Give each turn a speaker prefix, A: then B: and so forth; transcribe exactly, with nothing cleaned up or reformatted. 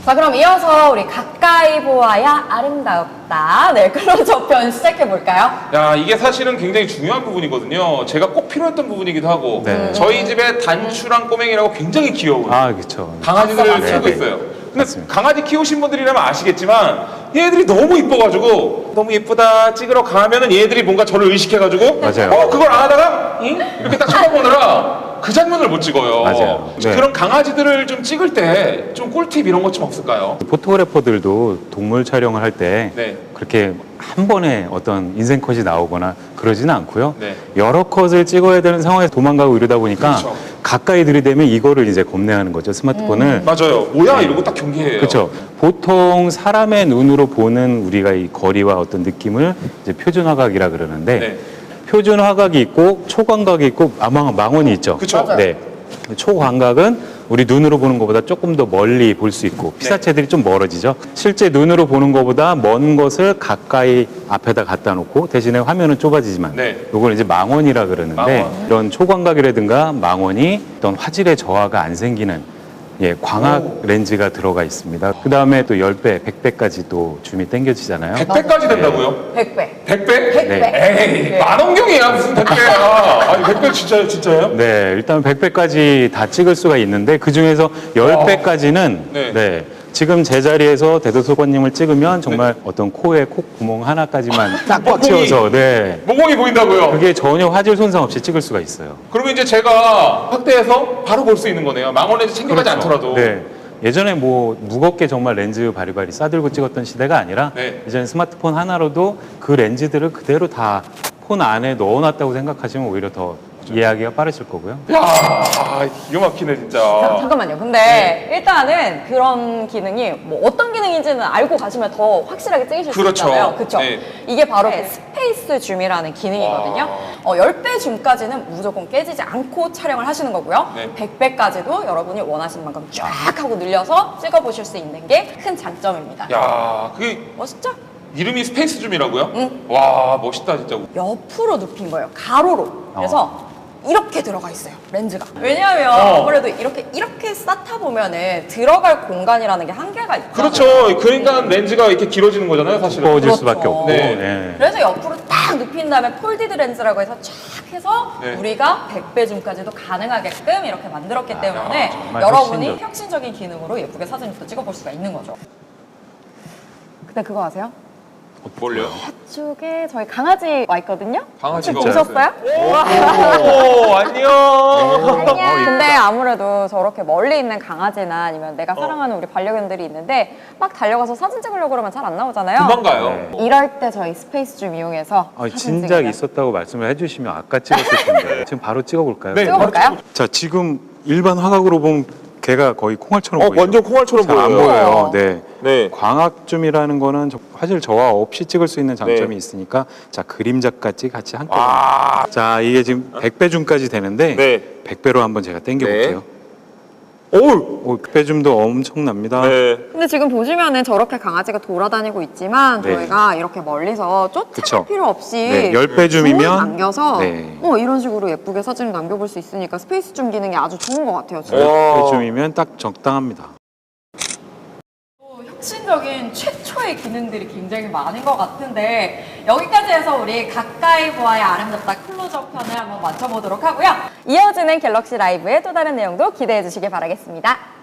A: 자, 그럼 이어서 우리 가까이 보아야 아름답다. 네, 클로즈업 편 시작해볼까요?
B: 야, 이게 사실은 굉장히 중요한 부분이거든요. 제가 꼭 필요했던 부분이기도 하고
C: 네.
B: 저희 집에 단추랑 꼬맹이라고 굉장히 귀여운
C: 아, 그렇죠.
B: 강아지들을
A: 맞아,
B: 키우고
C: 네,
B: 있어요. 근데
C: 맞습니다.
B: 강아지 키우신 분들이라면 아시겠지만 얘들이 너무 이뻐가지고 너무 예쁘다 찍으러 가면은 얘들이 뭔가 저를 의식해가지고
C: 맞아요.
B: 어 그걸 안 하다가 응? 이렇게 딱 쳐다보느라 그 장면을 못 찍어요.
C: 맞아요. 네.
B: 그런 강아지들을 좀 찍을 때 좀 꿀팁 이런 것 좀 없을까요?
C: 포토그래퍼들도 동물 촬영을 할 때
B: 네.
C: 그렇게 한 번에 어떤 인생 컷이 나오거나 그러지는 않고요.
B: 네.
C: 여러 컷을 찍어야 되는 상황에서 도망가고 이러다 보니까
B: 그렇죠.
C: 가까이 들이대면 이거를 이제 겁내하는 거죠. 스마트폰을.
B: 맞아요. 뭐야 이러고 딱 경계해요.
C: 그렇죠. 보통 사람의 눈으로 보는 우리가 이 거리와 어떤 느낌을 이제 표준 화각이라 그러는데
B: 네.
C: 표준 화각이 있고 초광각이 있고 망, 망원이 있죠.
B: 그쵸.
A: 맞아요.
C: 네. 초광각은 우리 눈으로 보는 것보다 조금 더 멀리 볼 수 있고 피사체들이 좀 멀어지죠. 실제 눈으로 보는 것보다 먼 것을 가까이 앞에다 갖다 놓고 대신에 화면은 좁아지지만
B: 네.
C: 이걸 이제 망원이라 그러는데
B: 망원.
C: 이런 초광각이라든가 망원이 어떤 화질의 저하가 안 생기는 예, 광학
B: 오.
C: 렌즈가 들어가 있습니다. 그 다음에 또 십 배, 백 배까지 또 줌이 당겨지잖아요.
B: 백 배까지 된다고요?
A: 백 배.
B: 백 배?
A: 백 배.
C: 네.
B: 에이, 만원경이야 무슨 백 배야. 아니 백 배 진짜요, 진짜요?
C: 네, 일단 백 배까지 다 찍을 수가 있는데 그 중에서 십 배까지는
B: 네.
C: 네. 지금 제자리에서 대도서관님을 찍으면 정말 어떤 코에 콧구멍 하나까지만 딱 꽉
B: 몽공이.
C: 채워서 네.
B: 몽공이 보인다고요?
C: 그게 전혀 화질 손상 없이 찍을 수가 있어요.
B: 그러면 이제 제가 확대해서 바로 볼 수 있는 거네요. 망원 렌즈 챙겨가지 않더라도.
C: 네. 예전에 뭐 무겁게 정말 렌즈 바리바리 싸들고 찍었던 시대가 아니라
B: 네.
C: 이제는 스마트폰 하나로도 그 렌즈들을 그대로 다 폰 안에 넣어놨다고 생각하시면 오히려 더 이해하기가 빠르실 거고요.
B: 야, 기가 막히네
A: 자,
B: 진짜.
A: 잠깐만요. 근데
B: 네.
A: 일단은 그런 기능이 뭐 어떤 기능인지는 알고 가시면 더 확실하게 찍으실
B: 그렇죠.
A: 수 있잖아요. 그렇죠.
B: 네.
A: 이게 바로 스페이스 줌이라는 기능이거든요. 어, 십 배 줌까지는 무조건 깨지지 않고 촬영을 하시는 거고요.
B: 네.
A: 백 배까지도 여러분이 원하시는 만큼 쫙 하고 늘려서 찍어보실 수 있는 게 큰 장점입니다.
B: 야, 그게
A: 멋있죠?
B: 이름이 스페이스 줌이라고요?
A: 응.
B: 와, 멋있다 진짜.
A: 옆으로 눕힌 거예요. 가로로. 그래서 이렇게 들어가 있어요. 렌즈가. 왜냐하면
B: 어.
A: 아무래도 이렇게 이렇게 쌓다 보면은 들어갈 공간이라는 게 한계가 있잖아요.
B: 그렇죠. 그러니까 렌즈가 이렇게 길어지는 거잖아요, 사실은.
C: 두꺼워질
A: 그렇죠.
C: 수밖에 없고.
B: 네.
C: 네.
A: 그래서 옆으로 딱 눕힌 다음에 폴디드 렌즈라고 해서 쫙 해서
B: 네.
A: 우리가 백 배 줌까지도 가능하게끔 이렇게 만들었기 때문에
C: 정말
A: 여러분이
C: 혁신적.
A: 혁신적인 기능으로 예쁘게 사진을 또 찍어볼 수가 있는 거죠. 근데 그거 아세요?
B: 뭘요?
A: 저쪽에 저희 강아지 와 있거든요?
B: 강아지가
A: 혹시 보셨어요?
B: 오, 안녕.
A: 근데 아무래도 저렇게 멀리 있는 강아지나 아니면 내가 사랑하는 우리 반려견들이 있는데 막 달려가서 사진 찍으려고 그러면 잘 안 나오잖아요.
B: 금방 가요.
C: 네.
A: 이럴 때 저희 스페이스 줌 이용해서
C: 아,
A: 사진
C: 진작
A: 찍으면
C: 있었다고 말씀을 해주시면 아까 찍었을 텐데 지금 바로 찍어볼까요?
B: 네.
A: 찍어볼까요?
C: 자, 지금 일반 화각으로 보면 걔가 거의 콩알처럼
B: 어,
C: 보여요.
B: 완전 콩알처럼
C: 잘 안
B: 보여요.
C: 보여요. 네.
B: 네.
C: 광학줌이라는 거는 저- 화질 저하 없이 찍을 수 있는 장점이
B: 네.
C: 있으니까 자, 그림자까지 같이 한꺼번에.
B: 아,
C: 자, 이게 지금 백 배 줌까지 되는데
B: 네.
C: 백 배로 한번 제가 당겨 볼게요.
B: 오,
C: 오, 백 배 줌도 엄청납니다.
B: 네.
A: 근데 지금 보시면은 저렇게 강아지가 돌아다니고 있지만
C: 네.
A: 저희가 이렇게 멀리서
C: 그쵸.
A: 쫓아갈 필요 없이
C: 네, 십 배 줌이면
A: 줌을 남겨서
C: 네.
A: 어, 이런 식으로 예쁘게 사진을 남겨볼 수 있으니까 스페이스 줌 기능이 아주 좋은 것 같아요. 진짜.
B: 어.
C: 십 배 줌이면 딱 적당합니다.
A: 혁신적인 최초의 기능들이 굉장히 많은 것 같은데 여기까지 해서 우리 가까이 보아야 아름답다 클로즈업 편을 한번 맞춰보도록 하고요. 이어지는 갤럭시 라이브의 또 다른 내용도 기대해 주시길 바라겠습니다.